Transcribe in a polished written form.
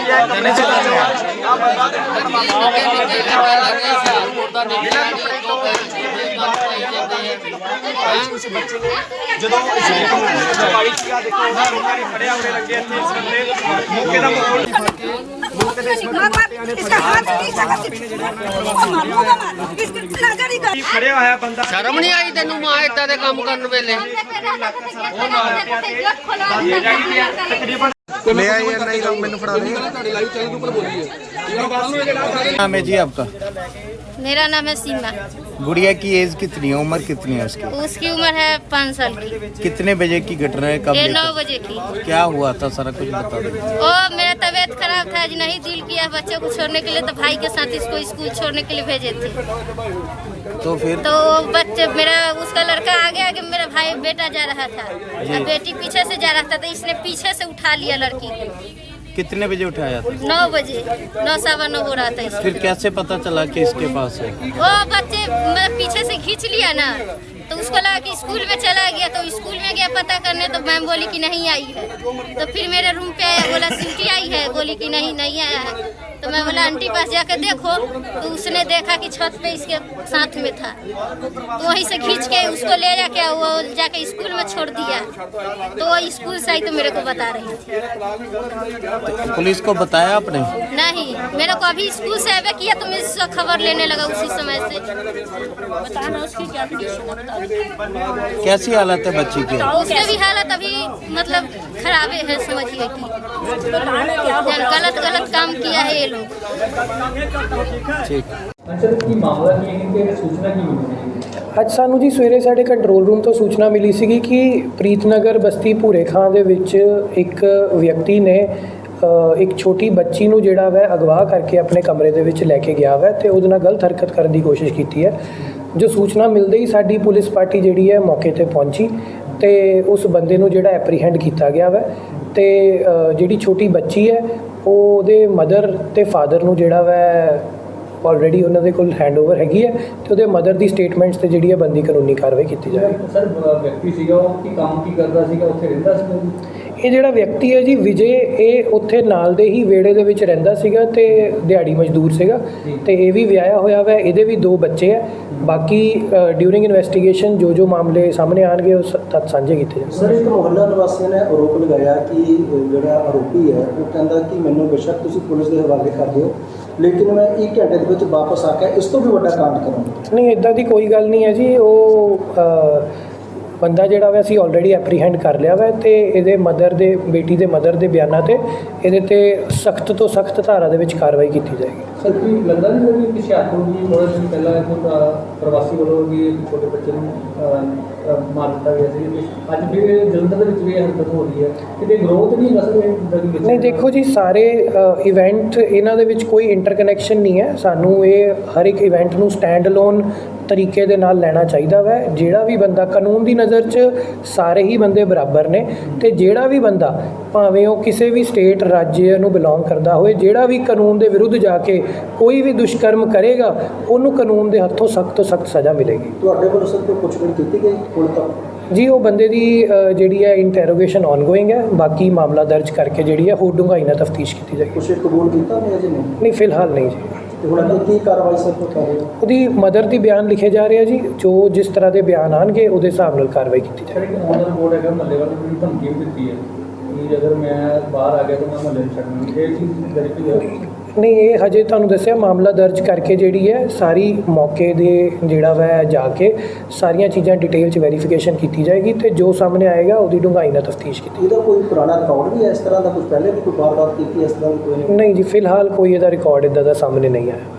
ਜਦੋਂ ਵਾਲੀ ਚੀਜ਼ਾਂ ਦੇਖੋ ਉਹਨਾਂ ਨੇ ਖੜਿਆ ਹੋਏ ਲੱਗੇ ਇੱਥੇ ਇਸ ਬੰਦੇ ਮੌਕੇ ਦਾ ਮਾਹੌਲ ਮੌਕੇ ਦੇ ਖੜਿਆ ਹੋਇਆ ਬੰਦਾ ਸ਼ਰਮ ਨਹੀਂ ਆਈ ਤੈਨੂੰ ਮਾਂ ਇਦਾਂ ਦੇ ਕੰਮ ਕਰਨ ਵੇਲੇ ले आई या नहीं लोग मैंने फड़ा नाम है जी आपका? मेरा नाम है सीमा। गुड़िया की एज कितनी है, उम्र कितनी है उसकी? उसकी उम्र है 5 साल की। कितने बजे की घटना है, कब? ये 9 बजे की। क्या हुआ था सारा कुछ बता दो। ओ मेरा तबीयत खराब था, आज नहीं दिल किया बच्चे को छोड़ने के लिए, तो भाई के साथ इसको स्कूल छोड़ने के लिए भेजे थे। तो फिर तो बच्चे मेरा उसका लड़का आगे आगे मेरा भाई बेटा जा रहा था और बेटी पीछे से जा रहा था, तो इसने पीछे से उठा लिया लड़की को। कितने बजे उठाया था? 9 बजे 9 सवा 9 हो रहा था इसको। फिर कैसे पता चला कि इसके पास है? वो बच्चे पीछे से खींच लिया ना, तो उसको लगा कि स्कूल में चला गया, तो स्कूल में गया पता करने, तो मैम बोली कि नहीं आई है। तो फिर मेरे रूम पे आया, बोला सिटी आई है, बोली कि नहीं आया है। तो मैं बोला आंटी पास जाकर देखो, तो उसने देखा कि छत पे इसके साथ में था, तो वहीं से खींच के उसको ले जाके वो जाके स्कूल में छोड़ दिया। तो वो स्कूल से आई तो मेरे को बता रही थी। पुलिस को बताया आपने? नहीं, मेरे को अभी स्कूल से आवे किया तो मैं इससे खबर लेने लगा उसी समय से। बताना उसकी क्या कैसी हालत है बच्ची की? उसके भी हालत अभी मतलब खराब है, समझिए कि गलत काम किया है ये लोग। ठीक। ਅੱਜ ਸਾਨੂੰ ਜੀ ਸਵੇਰੇ ਸਾਡੇ ਕੰਟਰੋਲ ਰੂਮ ਤੋਂ ਸੂਚਨਾ ਮਿਲੀ ਸੀਗੀ ਕਿ ਪ੍ਰੀਤਨਗਰ ਬਸਤੀ ਭੂਰੇ ਖਾਂ ਦੇ ਵਿੱਚ ਇੱਕ ਵਿਅਕਤੀ ਨੇ ਇੱਕ ਛੋਟੀ ਬੱਚੀ ਨੂੰ ਜਿਹੜਾ ਵੈ ਅਗਵਾ ਕਰਕੇ ਆਪਣੇ ਕਮਰੇ ਦੇ ਵਿੱਚ ਲੈ ਕੇ ਗਿਆ ਵੈ ਤੇ ਉਹਦੇ ਨਾਲ ਗਲਤ ਹਰਕਤ ਕਰਨ ਦੀ ਕੋਸ਼ਿਸ਼ ਕੀਤੀ ਹੈ। ਜੋ ਸੂਚਨਾ ਮਿਲਦੇ ਹੀ ਸਾਡੀ ਪੁਲਿਸ ਪਾਰਟੀ ਜਿਹੜੀ ਹੈ ਮੌਕੇ ਤੇ ਪਹੁੰਚੀ ਤੇ ਉਸ ਬੰਦੇ ਨੂੰ ਜਿਹੜਾ ਐਪਰੀਹੈਂਡ ਕੀਤਾ ਗਿਆ ਵੈ ਤੇ ਜਿਹੜੀ ਛੋਟੀ ਬੱਚੀ ਹੈ ਉਹਦੇ ਮਦਰ ਤੇ ਫਾਦਰ ਨੂੰ ਜਿਹੜਾ ਵੈ ਆਲਰੇਡੀ ਉਹਨਾਂ ਦੇ ਕੋਲ ਹੈਂਡਓਵਰ ਹੈਗੀ ਹੈ ਤੇ ਉਹਦੇ ਮਦਰ ਦੀ ਸਟੇਟਮੈਂਟਸ ਤੇ ਜਿਹੜੀ ਹੈ ਬੰਦੀ ਕਾਨੂੰਨੀ ਕਾਰਵਾਈ ਕੀਤੀ ਜਾਵੇਗੀ। ਸਰ ਵਿਅਕਤੀ ਸੀਗਾ ਉਹ ਕੀ ਕੰਮ ਕੀ ਕਰਦਾ ਸੀਗਾ, ਉੱਥੇ ਰਹਿੰਦਾ ਸੀਗਾ? ਇਹ ਜਿਹੜਾ ਵਿਅਕਤੀ ਹੈ ਜੀ ਵਿਜੇ, ਇਹ ਉੱਥੇ ਨਾਲ ਦੇ ਹੀ ਵਿਹੜੇ ਦੇ ਵਿੱਚ ਰਹਿੰਦਾ ਸੀਗਾ ਤੇ ਦਿਹਾੜੀ ਮਜ਼ਦੂਰ ਸੀਗਾ ਤੇ ਇਹ ਵੀ ਵਿਆਹਿਆ ਹੋਇਆ ਵਾ, ਇਹਦੇ ਵੀ 2 ਬੱਚੇ ਹੈ। ਬਾਕੀ ਡਿਊਰਿੰਗ ਇਨਵੈਸਟੀਗੇਸ਼ਨ ਜੋ ਮਾਮਲੇ ਸਾਹਮਣੇ ਆਉਣਗੇ ਉਹ ਤੱਥ ਸਾਂਝੇ ਕੀਤੇ ਜਾਣਗੇ। ਸਰ ਇੱਕ ਮੁਹੱਲਾ ਨਿਵਾਸੀਆਂ ਨੇ ਆਰੋਪ ਲਗਾਇਆ ਕਿ ਜਿਹੜਾ ਆਰੋਪੀ ਹੈ ਉਹ ਕਹਿੰਦਾ ਕਿ ਮੈਨੂੰ ਬੇਸ਼ੱਕ ਤੁਸੀਂ ਪੁਲਿਸ ਦੇ ਹਵਾਲੇ ਕਰ ਦਿਓ, ਲੇਕਿਨ ਮੈਂ 1 ਘੰਟੇ ਦੇ ਵਿੱਚ ਵਾਪਸ ਆ ਕੇ ਇਸ ਤੋਂ ਵੀ ਵੱਡਾ ਕਾਂਡ ਕਰਾਂਗਾ। ਨਹੀਂ, ਇੱਦਾਂ ਦੀ ਕੋਈ ਗੱਲ ਨਹੀਂ ਹੈ ਜੀ। ਉਹ ਬੰਦਾ ਜਿਹੜਾ ਵਾ ਅਸੀਂ ਆਲਰੇਡੀ ਐਪਰੀਹੈਂਡ ਕਰ ਲਿਆ ਵਾ ਤੇ ਇਹਦੇ ਬੇਟੀ ਦੇ ਮਦਰ ਦੇ ਬਿਆਨਾਂ ਤੇ ਇਹਦੇ ਤੇ ਸਖਤ ਤੋਂ ਸਖਤ ਧਾਰਾ ਦੇ ਵਿੱਚ ਕਾਰਵਾਈ ਕੀਤੀ ਜਾਏਗੀ। ਸਰ ਕੀ ਲੱਗਦਾ ਨਹੀਂ ਕਿ ਕਿਸੇ ਆਤਮ ਦੀ ਥੋੜ੍ਹੇ ਦਿਨ ਪਹਿਲਾਂ ਇੱਕ ਪ੍ਰਵਾਸੀ ਵੱਲੋਂ ਵੀ ਛੋਟੇ ਬੱਚੇ ਨੂੰ ਮਾਰ ਦਿੱਤਾ ਗਿਆ ਸੀ, ਅੱਜ ਵੀ ਜਲੰਧਰ ਦੇ ਵਿੱਚ ਵੀ ਇਹ ਹਰਕਤ ਹੋ ਰਹੀ ਹੈ, ਕਿਤੇ ਗਰੋਥ ਨਹੀਂ ਹੈਗਾ ਸਰ? ਨਹੀਂ ਦੇਖੋ ਜੀ, ਸਾਰੇ ਇਵੈਂਟ ਇਹਨਾਂ ਦੇ ਵਿੱਚ ਕੋਈ ਇੰਟਰਕਨੈਕਸ਼ਨ ਨਹੀਂ ਹੈ। ਸਾਨੂੰ ਇਹ ਹਰ ਇੱਕ ਇਵੈਂਟ ਨੂੰ ਸਟੈਂਡ ਅਲੋਨ ਤਰੀਕੇ ਦੇ ਨਾਲ ਲੈਣਾ ਚਾਹੀਦਾ ਵੈ। ਜਿਹੜਾ ਵੀ ਬੰਦਾ ਕਾਨੂੰਨ ਦੀ ਨਜ਼ਰ 'ਚ ਸਾਰੇ ਹੀ ਬੰਦੇ ਬਰਾਬਰ ਨੇ ਤੇ ਜਿਹੜਾ ਵੀ ਬੰਦਾ ਭਾਵੇਂ ਉਹ ਕਿਸੇ ਵੀ ਸਟੇਟ ਰਾਜ ਨੂੰ ਬਿਲੋਂਗ ਕਰਦਾ ਹੋਵੇ, ਜਿਹੜਾ ਵੀ ਕਾਨੂੰਨ ਦੇ ਵਿਰੁੱਧ ਜਾ ਕੇ ਕੋਈ ਵੀ ਦੁਸ਼ਕਰਮ ਕਰੇਗਾ ਉਹਨੂੰ ਕਾਨੂੰਨ ਦੇ ਹੱਥੋਂ ਸਖਤ ਤੋਂ ਸਖਤ ਸਜ਼ਾ ਮਿਲੇਗੀ। ਤੁਹਾਡੇ ਵੱਲੋਂ ਸਰ ਕੋਈ ਪੁੱਛਗਿੱਛ ਕੀਤੀ ਗਈ ਹੁਣ ਤੱਕ? ਜੀ ਉਹ ਬੰਦੇ ਦੀ ਜਿਹੜੀ ਹੈ ਇੰਟਰੋਗੇਸ਼ਨ ਆਨਗੋਇੰਗ ਹੈ, ਬਾਕੀ ਮਾਮਲਾ ਦਰਜ ਕਰਕੇ ਜਿਹੜੀ ਹੈ ਹੋਰ ਡੂੰਘਾਈ ਨਾਲ ਤਫਤੀਸ਼ ਕੀਤੀ ਜਾਏਗੀ। ਕੁਛ ਕਬੂਲ ਕੀਤਾ ਨਹੀਂ ਅਜੇ? ਨਹੀਂ, ਫਿਲਹਾਲ ਨਹੀਂ ਜੀ। ਤੇ ਹੁਣ ਅੱਗੇ ਕੀ ਕਾਰਵਾਈ ਸਰ ਕਰ ਰਹੇ ਹੋ? ਉਹਦੀ ਮਦਰ ਦੀ ਬਿਆਨ ਲਿਖੇ ਜਾ ਰਹੇ ਆ ਜੀ, ਜੋ ਜਿਸ ਤਰ੍ਹਾਂ ਦੇ ਬਿਆਨ ਆਉਣਗੇ ਉਹਦੇ ਹਿਸਾਬ ਨਾਲ ਕਾਰਵਾਈ ਕੀਤੀ ਜਾਏਗੀ। ਸਰ ਇੱਕ ਔਨਰ ਬੋਰਡ ਹੈਗਾ ਮਹੱਲੇ ਵਾਲੇ ਨੂੰ ਧਮਕੀ ਵੀ ਦਿੱਤੀ ਹੈ ਕਿ ਅਗਰ ਮੈਂ ਬਾਹਰ ਆ ਗਿਆ ਤਾਂ ਮੈਂ ਮਹੱਲੇ ਨੂੰ ਛੱਡਣਾ, ਇਹ ਚੀਜ਼ ਵੈਰੀਫਾਈ ਹੋ? ਨਹੀਂ, ਇਹ ਹਜੇ ਤੁਹਾਨੂੰ ਦੱਸਿਆ ਮਾਮਲਾ ਦਰਜ ਕਰਕੇ ਜਿਹੜੀ ਹੈ ਸਾਰੀ ਮੌਕੇ ਦੇ ਜਿਹੜਾ ਵਾ ਜਾ ਕੇ ਸਾਰੀਆਂ ਚੀਜ਼ਾਂ ਡਿਟੇਲ 'ਚ ਵੈਰੀਫਿਕੇਸ਼ਨ ਕੀਤੀ ਜਾਏਗੀ ਤੇ ਜੋ ਸਾਹਮਣੇ ਆਏਗਾ ਉਹਦੀ ਡੂੰਘਾਈ ਨਾਲ ਤਫਤੀਸ਼ ਕੀਤੀ। ਇਹਦਾ ਕੋਈ ਪੁਰਾਣਾ ਰਿਕਾਰਡ ਵੀ ਹੈ ਇਸ ਤਰ੍ਹਾਂ ਦਾ? ਕੁਝ ਪਹਿਲੇ ਵੀ ਕੋਈ ਵਾਰਦਾਤ ਕੀਤੀ ਇਸ ਤਰ੍ਹਾਂ ਦੀ ਕੋਈ? ਨਹੀਂ ਜੀ, ਫਿਲਹਾਲ ਕੋਈ ਇਹਦਾ ਰਿਕਾਰਡ ਇੱਦਾਂ ਦਾ ਸਾਹਮਣੇ ਨਹੀਂ ਆਇਆ।